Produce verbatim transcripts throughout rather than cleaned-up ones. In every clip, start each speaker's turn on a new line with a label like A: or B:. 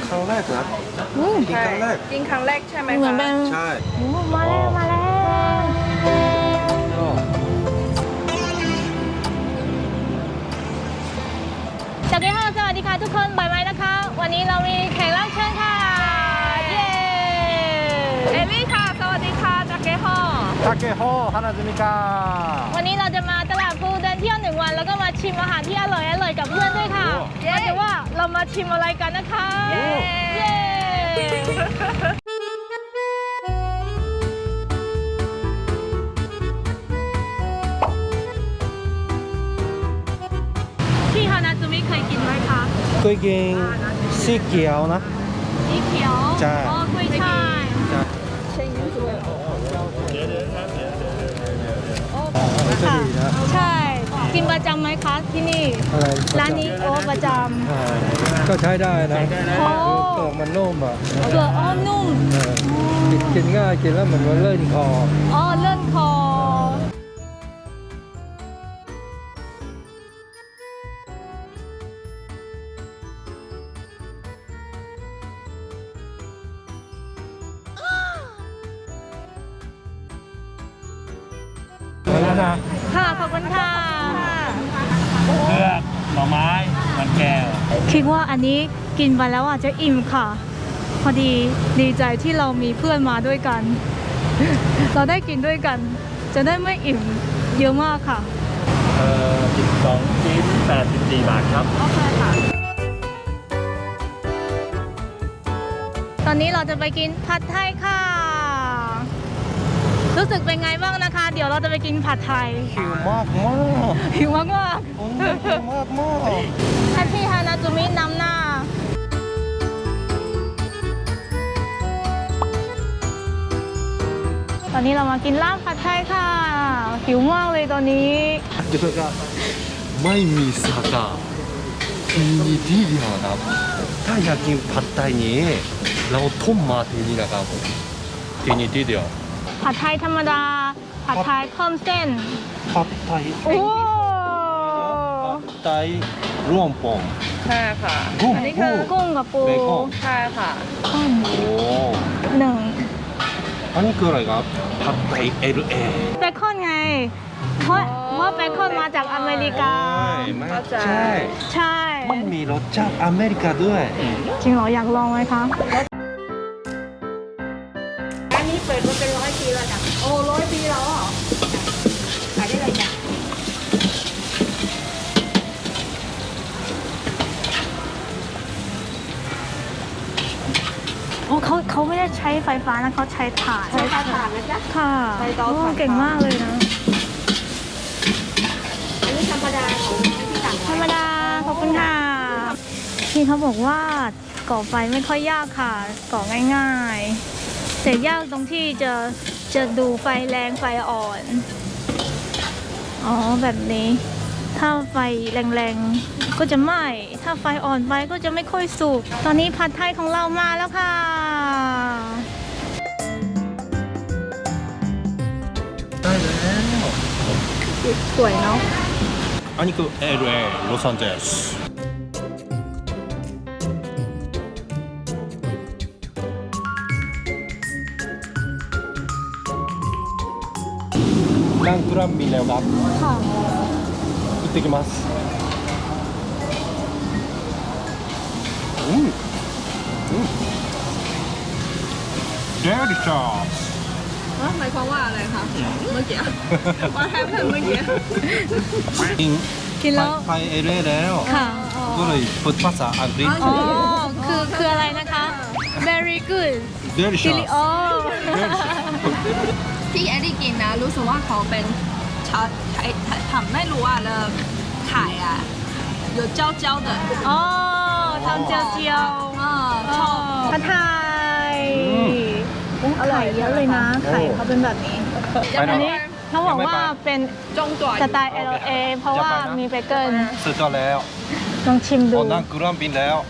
A: ครั้งแรกนะกินครั้งแรก
B: กินครั้งแรกใช่ไหมคะ
C: เหมือนเป็น
A: ใช่
C: มาแล้วมาแล้วสวัสดีค่ะสวัสดีค่ะทุกคนบ่ายไหมนะคะวันนี้เรามีแขกรับเชิญค่ะเย้
B: เอมี่ค่ะสวัสดีค่ะจากเกฮอ
A: ทาเกโฮฮานาซึมิกา
C: วันนี้เราจะมาตลาดภูเดินเที่ยวหนึ่งวันแล้วก็มาชิมอาหารที่อร่อยอร่อยกับเพื่อนด้วยค่ะมาดูว่าเรามาชิมอะไรกันนะคะเย้ที่ฮานาจูมิเคยกินไหมคะ
A: เคยกินสีเขียวนะ
C: สีเขียว
A: ใช่
C: อ๋อกล้วยช่าย
A: ค่ะ
C: ใช่กินประจำไหมคะที่นี่ร้านนี้โอ้ประจำ
A: ก็ใช้ได้นะเป
C: โอ้
A: ลือกมันนุ่มอ่ะ
C: เปลือกอ้อนุ่ม
A: กินง่ายกินแล้วเหมือนว่าเลื่อนคอ
C: อ๋อเลื่อนคอ
A: แล้วนะ
C: ค่ะขอบคุณค่ะ
D: เลือกหน่อไม้มันแก้ว
C: คิดว่าอันนี้กินไปแล้วอาจจะอิ่มค่ะพอดีดีใจที่เรามีเพื่อนมาด้วยกัน เราได้กินด้วยกันจะได้ไม่อิ่มเยอะมากค่ะ
D: เอ่อสิบสองชิ้นแปดสิบสี่บาทครับ
C: โอเคค่ะตอนนี้เราจะไปกินผัดไทยค่ะรู้สึกเป็นไงบ้างนะคะเดี๋ยวเราจะไปกินผัดไทย
A: หิวมากมาก
C: หิวมากมาก
A: หิวมากมาก
C: ท่านพี่ฮานาจูมินำหน้าตอนนี้เรามากินลาบผัดไทยค่ะหิวมากเลยตอนนี้
A: เดี๋ยวก็ไม่มีสาขามีที่เดียวนะถ้าอยากกินผัดไทยนี้เราทุ่มมาที่นี่นะครับที่นี่ที่เดียว
C: ผัดไทยธรรมดาผัดไทยเพิ่มเส้น
A: ผัดไทย
C: โอ้
A: ผัดไทยรวมปง
B: ใช่ค่ะ
C: อันนี้คือกุ้งกับปู
B: ใช่ค่ะ
A: โอ้
C: หนึ่ง
A: อันนี้คืออะไรครับผัดไทย เอล เอ
C: เบคอนไงเพราะว่าเบคอนมาจากอเมริกา
A: ใช่
C: ใช่
A: มันมีรสชาติอเมริกาด้วย
C: จริงเหรออยากลองไหมคะ
B: อันนี้เปิดมาเป็นร้อยปีแล้วจ้ะโอ้ร้อยปีแล้วเหรอขายได้เลยจ้ะ
C: โอ้เขาเขาไม่ได้ใช้ไฟฟ้านะเขาใช้ถ่าน
B: ใช้ถ่านนะจ๊ะ
C: ค่ะ
B: ใช้เตาถ่าน
C: เก่งมากเลยนะ
B: อันนี้ธรรมดาของที่ต่าง
C: ธรรมดาขอบคุณค่ะพี่เขาบอกว่าก่อไฟไม่ค่อยยากค่ะก่อง่ายๆแต่ยากตรงที่จะจะดูไฟแรงไฟอ่อนอ๋อแบบนี้ถ้าไฟแรงๆก็จะไหม้ถ้าไฟอ่อนไปก็จะไม่ค่อยสุกตอนนี้ผัดไทยของเรามาแล้วค่ะ
A: ได้แล้ว
C: สวยเนาะ
A: อันนี้คือ เอล เอ ลอสแอนเจลิสนั่งกราบมีแล้วครับ
C: ค่ะ
A: 行ってきますอืมอืม delicious
B: หมายความว่าอะไรคะเมื่อกี้ว่าแฮปปี้เมื่อกี้
A: กิน
C: กินแล้ว
A: ไปเอเร่แล้ว
C: ค่ะ
A: ก็เลยพูดภาษาอังกฤษ
C: อ๋อคือคืออะไรนะคะ very good
A: delicious
C: อ๋อ
B: ที่แอดดี้กินนะรู้สึกว่าเขาเป็นชาทำไม่รู้ว่าเลยไข่อ่ะ有焦焦的
C: อ๋อทำเจียวเจียว
B: อ่าชอบ
C: ผัดไทยอร่อยเยอะเลยนะไข่เขาเป็นแบบนี้อันนี้เขาบอกว่าเป็นสไตล์ เอล เอ เพราะว่ามีเบเกิล
A: สุดยอดแล้ว
C: ลองชิมดู
A: นั่งกรัมบินแล้ว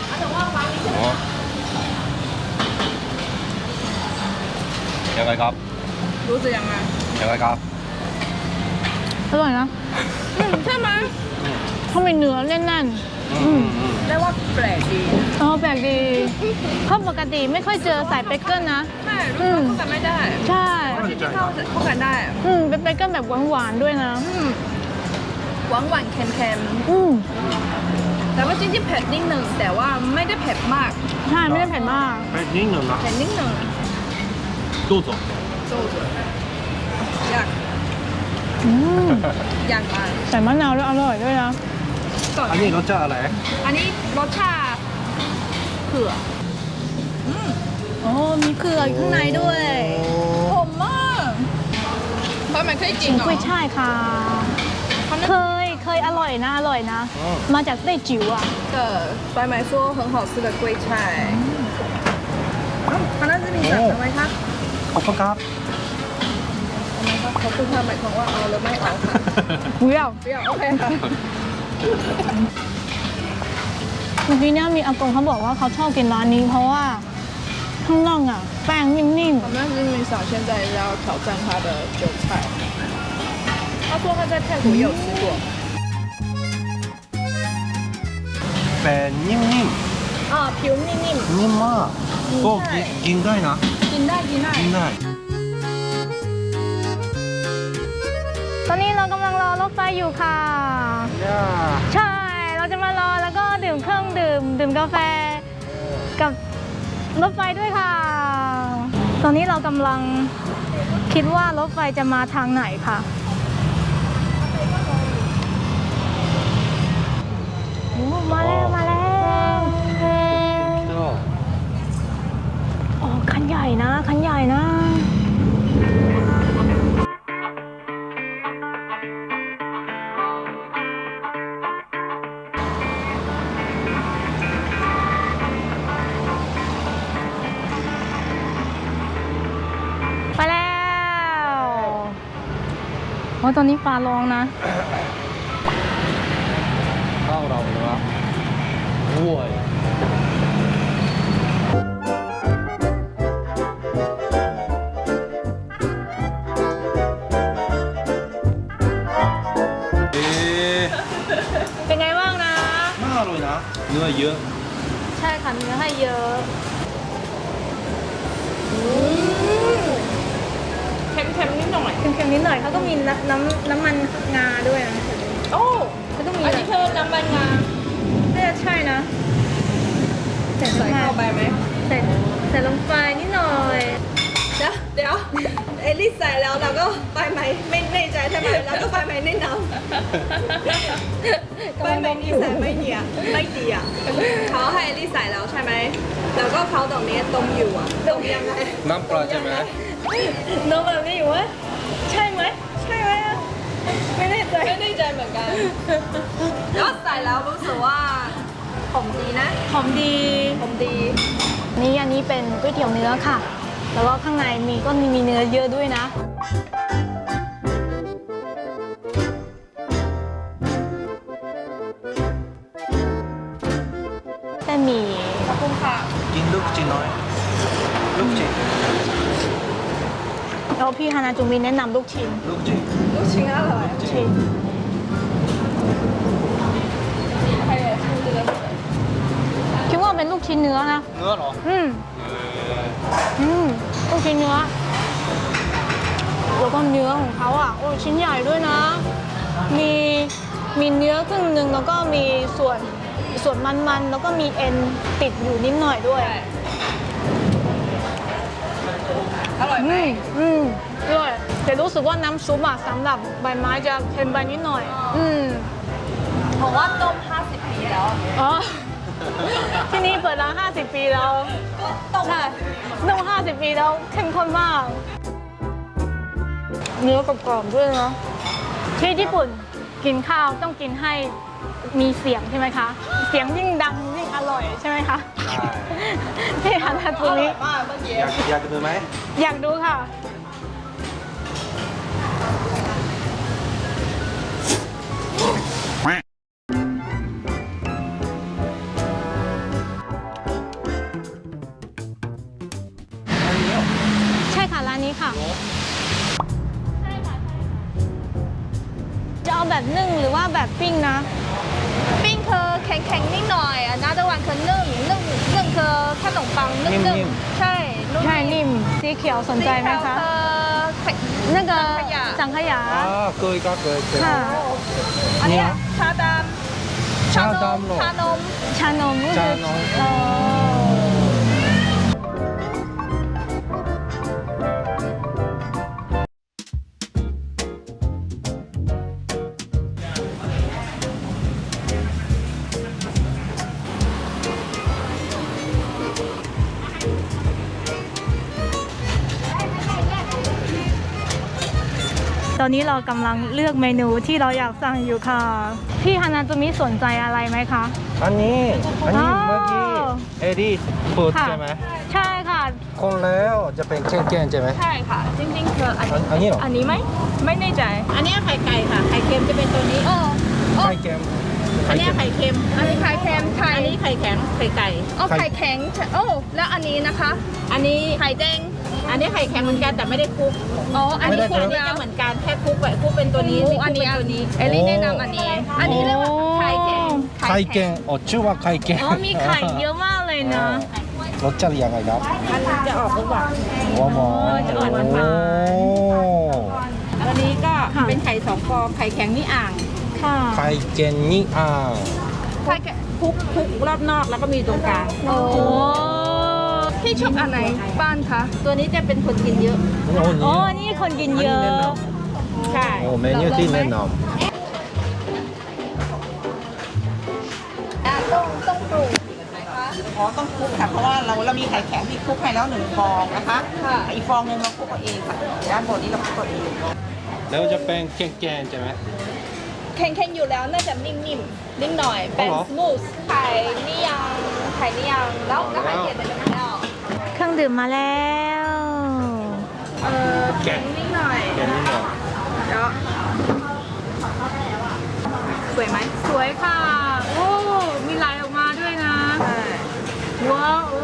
A: ยังไงครับ
B: รู้สึกยังไง
A: ยังไงครับ
C: อร่อยนะ
B: ใช่ไหม
C: เขามีเนื้อแน่น
B: เรียกว่าแปลกดี
C: อ๋อแปลกดีเพราะปกติไม่ค่อยเจอใส่เบเกิลนะ
B: ใช่ลูกค้าพูดกันไม่ได้
C: ใช่
B: ที่ที่เข้าพูดกันได้
C: อืมเป็นเบเกิลแบบหวานๆด้วยนะ
B: อืมหวานหวานๆเค็ม
C: อืม
B: ๆแต่ว่าจริงๆเผ็ดนิดหนึ่งแต่ว่าไม่ได้เผ็ดมาก
C: ใช่ไม่ได้เผ็ดมาก
D: ไปนิดหนึ่งนะ
B: เผ็ดนิดหนึ่ง
D: ดู走
B: โจ้ๆอยาก
C: อืม
B: อยากมา
C: ใส่มะนาวด้วยอร่อยด้วยนะ
B: ก่อน
A: อันนี้รสชาติอะไร
B: อันนี้รสชาติเผือก
C: โอ้มีเกลืออยู่ข้างในด้วย
B: หอมมากเพราะมันเคยกิน
C: ชิม
B: เหรอก
C: ล้วยช่ายค่ะ เคยเคยอร่อยนะอร่อยนะ มาจากไต้จิ๋วอ่ะ
B: 的白买说很好吃的龟菜คณะจะมีสั่งทำไมคะ
A: ขอบคุณครับ
B: ทำไมคะเขาคุณทำหมายความว่าเอาหรือไม่เอาค่ะ
C: 不要
B: เปรี้ยวโอเคค่ะ
C: เมื่อกี้เนี่ยมีอากงเขาบอกว่าเขาชอบกินร้านนี้ เพราะว่าข้างนอกอ่ะ แป้งนิ่ม
B: 我们是米想现在要挑战他的韭菜他说他在泰国也有吃过
A: แป้งนิ่ม
B: อ่าผิวนิ่ม
A: ๆนิ่มมากก็กินกินได้นะ
B: ๆกินได้กินได้
A: กินได้
C: ๆ ตอนนี้เรากำลังรอรถไฟอยู่ค่ะ
A: ย่า
C: ใช่ เราจะมารอแล้วก็ดื่มเครื่องดื่ม ดื่มกาแฟกับรถไฟด้วยค่ะ ตอนนี้เรากำลังคิดว่ารถไฟจะมาทางไหนค่ะโอ้มาแล้วมาแล้ว
A: ก็
C: อ๋อคันใหญ่นะคันใหญ่นะ ไปแล้วโอ้ตอนนี้ฟ้าร้องนะ
A: ข้าวเราเนาะวัว เอ๊ะ
C: เป็นไงบ้างนะ
A: น่าอร่อยนะ เนื้อเยอะ
C: ใช่ค่ะเนื้อให้เยอะ
B: เค็มๆนิดหน่อย
C: เค็มๆนิดหน่อยเขาก็มีน้ำน้ำน้ำมันงาด้วยนะ
B: โอ้
C: เขาต้องมี
B: อันนี้คือน้ำมันงา
C: น่าจะใช่นะใส่
B: ใส่
C: น้ำ
B: เข้าไป
C: มัน
B: ไหม
C: ใส่ใส่ลงไปนิดหน่อย
B: เดี๋ยวเดี๋ยวเอลิสใส่แล้วเราก็ไปไหมไม่แน่ใจใช่ไหมแล้วก็ไปไหมแนะนำไปไหมนี่ใส่ไม่ดีอ่ะไม่ดีอ่ะเขาให้เอลิสใส่แล้วใช่ไหมแล้วก็เขาตรงนี้ต้มอยู่อ่ะต้มยังไง
A: น้ำปลาใช่ไหม
C: น้องแบบนี้อยู่วะใช่ไหมใช่ไหมอะไม่แน่ใจ
B: ไม่แน่ใจเหมือนกันแล้วใส่แล้วรู้สึกว่าหอมดีนะ
C: หอมดี
B: หอมดี
C: นี่อันนี้เป็นก๋วยเตี๋ยวเนื้อค่ะ แล้วก็ข้างในมีก็มีมีเนื้อเยอะด้วยนะ แต่หมี
B: ขอบคุณค่ะ
A: กินลูกชิ้นน้อย ลูกชิ้น
C: แล้วพี่ฮานาจูมิแนะนำลูกชิ้น
A: ลูกชิ้น
B: ลูกชิ้นอร่อย
C: ชิ้น
B: ใครอยากชิมเลย
C: คิดว่าเป็นลูกชิ้นเนื้อนะ
A: เนื้อเหรอ
C: อืม อืมลูกชิ้นเนื้อ แล้วก็เนื้อของเขาอ่ะ โอ้ชิ้นใหญ่ด้วยนะ มีมีเนื้อครึ่งหนึ่งแล้วก็มีส่วนส่วนมันๆ แล้วก็มีเอ็นติดอยู่นิดหน่อยด้วย
B: อร่อยไหม
C: อืมอืมด้วยแต่รู้สึกว่าน้ำซุปอะสำหรับใบไม้จะเค็มไปนิดหน่อย อืม
B: บอกว่าต้มห้าสิบปีแล้ว
C: อ๋อ ที่นี่เปิดร้านห้าสิบปีแล้ว
B: ก็ต้ม
C: ใช่ต้มห้าสิบปีแล้วเข้มข้นมาก เนื้อกรอบๆด้วยเนาะที่ญี่ปุ่นกินข้าวต้องกินให้มีเสียงใช่ไหมคะ เสียงยิ่งดังยิ่งอร่อยใช่ไหมคะ
A: ใช่
C: ที่ฮานา
B: อ
C: จู
B: ร่อ
C: มิ
B: ยมากเมื่อกี้
A: อยากอยากดูไหม
C: อยากดูค่ะ ใช่ค่ะร้านนี้ค่ะ จะเอาแบบนึ่งหรือว่าแบบปิ้งนะ
B: ปิ้งคือแข็งๆนิดหน่อยอันนั้นตะวันคือนึ่งนึ่งนึ่งคือขนมปังนึ่ง
A: นิ่ม
B: ๆใช่นุ่ม
C: ใช่นิ่มสีเขียวสนใจไหมคะ
B: สีเขียวคือ
C: นั่นก็
B: สังขยา
C: สังขยา
A: อ่าเคยก็เคยเคย
C: ค่ะ
B: อันเนี้ย
A: เนี่ย
B: ชาดำ
A: ชาดำเหรอ
B: ชานม
C: ชานมก็คือ
A: ชานม
C: อ๋อ ตอนนี้เรากำลังเลือกเมนูที่เราอยากสั่งอยู่ค่ะ พี่ฮานาจูมิสนใจอะไรไหมคะ
A: อันนี้อันนี้
C: อ๋อ
A: เมื่อกี้เอดี้พูด
C: ค่ะ
A: ใช่ไหม
C: ใช่ค่ะ
A: คนแล้วจะเป็นเก้นๆใช่ไหม
B: ใช่ค่ะ จริงๆคืออัน
A: อันอันนี้เหรอ
B: อันนี้ไหมไม่แน่ใจ
E: อันเนี้ยไข่ไก่ค่ะ ไข่เค็มจะเป็นตัวนี้
B: โอ้โอ้
A: ไข่เค็ม
E: อันเนี้ยไข่เค็ม
B: อันนี้ไข่เค็มไข่
E: อันนี้ไข่แข็ง ไข่ไก่
B: โอ้ไข่แข็งโอ้แล้วอันนี้นะคะ
E: อันนี้
B: ไข่แดง
E: อันนี้ไข่แข็งเหมือนกันแต่ไม่ได้คลุก
B: อ๋ออันนี้
E: อัน
B: คน
E: นี้
B: เดียว
E: จะเหมือนกันแค่คลุกไว้คลุกเป็นตัวนี้
B: โอ้
E: ไม่ค
B: อั
E: ลุ
B: น
E: ก
B: นี้
E: เป็นตัวนี้
B: เอลลี่แนะนำอันนี้ อันนี้เรียกว่าไข่แข็ง
A: ไข่เค็มอ๋อชื่อว่าไข่เค็ม
C: อ๋อมีไข่เยอะมากเลยนะ
A: รสชาติยังไงครับ
E: อันนี้จะออกหวาน
A: หัวหมอ
E: จะหวานหวานหวาน
A: โอ้
E: อันนี้ก็
C: ค่ะ
E: เป็นไข่สองฟองไข่แข็งนี่อ่าง
C: ค่ะ
A: ไข่เค็มนี่อ่า
B: ไข่แข็ง
E: คลุกคลุกรอบนอกแล้วก็มีตรงกลาง
B: โอ้
C: โอ้
B: พี่ชอบอันไหนบ้านคะ
E: ตัวนี้จะเป็นคนกินเยอะ
A: โอ้
C: โอ้
A: นี่
C: นี่คนกินเยอะ
E: ใช่
A: โอ้เมนูที่แนะน
B: ต้องต้องปรุง
E: อ๋อต้องคลุกค่ะ เพราะว่าเราเรามีไข่แข็งที่คลุกให้แล้วหนึ่งฟองนะคะ
B: ค่ะ
E: อีกฟองหนึงเราคลุกเอาเองค่ะด้านบนนี้เราคลุกเอาเอง
A: ำแล้วจะเป็นแกงๆใช่ไหม
B: แข็งๆอยู่แล้วน่าจะนิ่มๆนิ่มหน่อยเป็น
A: อ๋อเหรอ
B: สมูทไข่นี่ยังไข่นี่ยังแล้วแล้วไข่เค็มเป็นยังไงแล้ว
C: เครื่องดื่มมาแล้ว
B: เออแข็งนิดหน่อย
A: แกงนี่เหรอ
B: แล้วสวยไหม
C: สวยค่ะ โอ้ มีลายออกมาด้วยนะ ว้าวโอ้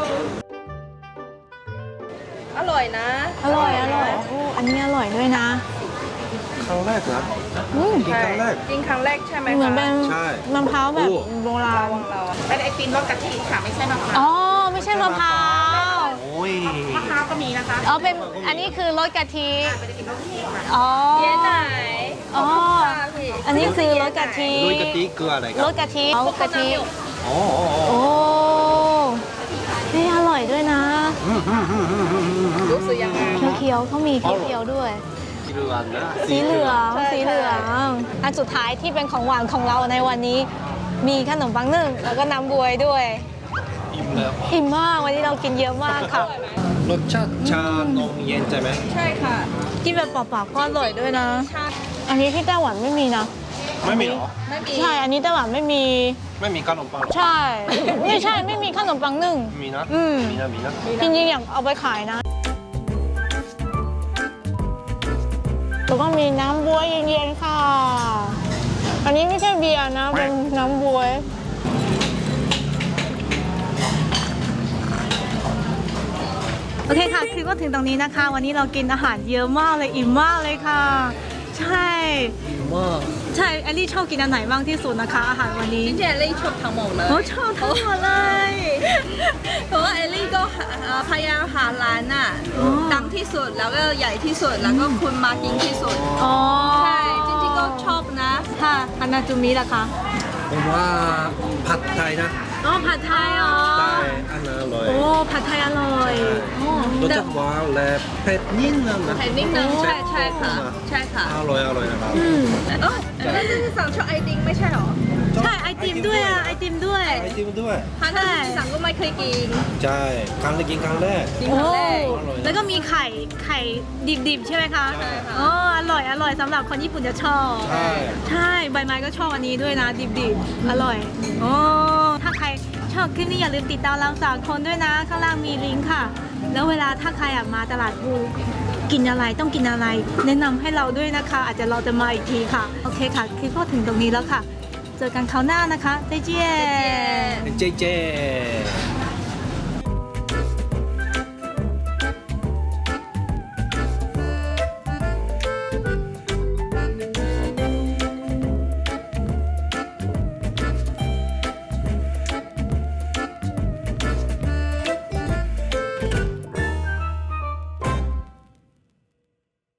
B: อร่อยนะ
C: อร่อยอร่อยโอ้อันนี้อร่อยด้วยนะ
A: ครั้งแรกเหรอ
C: อืม
A: กินครั้งแรก
B: กินครั้งแรกใช่ไหม
C: เหมือน
B: คะ
C: เป็น
A: ใช่
C: มะพร้าวแบบ
A: โอ้
C: โบราณ
B: เราอะ
E: เป็นไอติมรสกะทิค่ะไม่ใช่มะพร้าว
C: อ๋อ ไม่ใช่มะพร้าว
A: โอ้ย
E: มะพร้าวก็มีนะคะ
C: อ๋อ เป็น อันนี้คือรสกะทิ
E: เป็นไอติมรสกะทิค่ะ
C: อ๋อ
B: เย้ไหน
C: อ๋อ
B: ค่ะพี่
C: อันนี้คือรสกะทิ
A: ด้วยกะทิคืออะไรค
C: ร
A: รับ
C: สกะทิเอากะทิ
A: อ๋ออ๋ออ๋อ
C: โอ้นี่อร่อยด้วยนะ
A: อืมอืมอืมอืมอืมอืม
B: รู้สึกยังไง
C: เขียวๆเขามีเขียวๆด้วย
A: สีเหลืองนะ
C: สีเหลือง
B: ใช่
C: สีเหลือง อันสุดท้ายที่เป็นของหวานของเราในวันนี้ มีขนมปังนึ่งแล้วก็น้ำบวยด้วย
A: อิ่มแล้ว
C: อิ่มมาก วันนี้เรากินเยอะมากค่ะ
A: รสชาติชานมเย็นใช่ไหม
B: ใช่ค่ะ
C: กินแบบเปล่าๆก็อร่อยด้วยนะ
B: ชา
C: อันนี้ที่ไต้หวันไม่มีนะ
A: ไม่มีเหรอ
B: ไม่มี
C: ใช่ อันนี้ไต้หวันไม่มี
A: ไม่มีขนมปัง
C: ใช่ ไม่ใช่ ไม่มีขนมปังนึ่ง
A: มีนะ
C: อืม
A: มีนะมีนะ
C: จริงๆอยากเอาไปขายนะ แล้วก็มีน้ำบวยเย็นๆค่ะ อันนี้ไม่ใช่เบียร์นะ เป็นน้ำบวย โอเคค่ะ คือก็ถึงตรงนี้นะคะ วันนี้เรากินอาหารเยอะมากเลย อิ่มมากเลยค่ะ ใช่
A: มาก
C: ใช่แอลลี่ชอบกินอันไหนบ้างที่สุดนะคะ อาหารวันนี้
B: จริงๆเอลลี่ชอบทั้งหมดเลย
C: โอ้ชอบทั้งหมดเลย
B: เพราะว่าเอลลี่ก็หาเอ่อพยายามหาร้านน่ะ
C: อ๋อ
B: ดังที่สุดแล้วก็ใหญ่ที่สุดแล้วก็คนมากินที่สุด
C: อ๋อ
B: ใช่จริงๆก็ชอบนะ
C: ค่ะอันนาจูมิล่ะคะ
A: ผมว่าผัดไทยนะ
C: อ๋อผัดไทยอ๋อ
A: ไทยอันนั้นอร่อย
C: โอ้ผัดไทยอร่อยโอ้
A: รสชาติหวานและเผ็ดนิดนึงนะ
B: ไข่นิ่งนึงใช่ใช่ค่ะ ใช่ค่ะ
A: อร่อยอร่อยนะครับ
C: อืม
B: เอ๋อแล้วที่สั่งชอบไอติมไม่ใช่หรอ
C: ใช่ไอติมด้วยอ่ะไอติมด้วย
A: ไอติมด้วย
B: ทางที่สั่งก็ไม่เคยกิน
A: ใช่ครั้งแรกกินครั้งแรก
B: กินค
C: โอ้
B: รั้งแรก
A: อร่อยนะ
C: แล้วก็มีไข่ไข่ดิบๆใช่ไหมคะ
A: ใช่ค่ะ
C: อ๋ออร่อยอร่อยสำหรับคนญี่ปุ่นจะชอบ
A: ใช่
C: ใช่ใบไม้ก็ชอบอันนี้ด้วยนะดิบๆอร่อยโอ้ถ้าใครชอบคลิปนี้อย่าลืมติดตามเราสามคนด้วยนะข้างล่างมีลิงก์ค่ะ แล้วเวลาถ้าใครอยากมาตลาดภูกินอะไรต้องกินอะไร แนะนำให้เราด้วยนะคะ อาจจะเราจะมาอีกทีค่ะโอเคค่ะคลิปก็ถึงตรงนี้แล้วค่ะ เจอกันคราวหน้านะคะ再见
A: เจเจ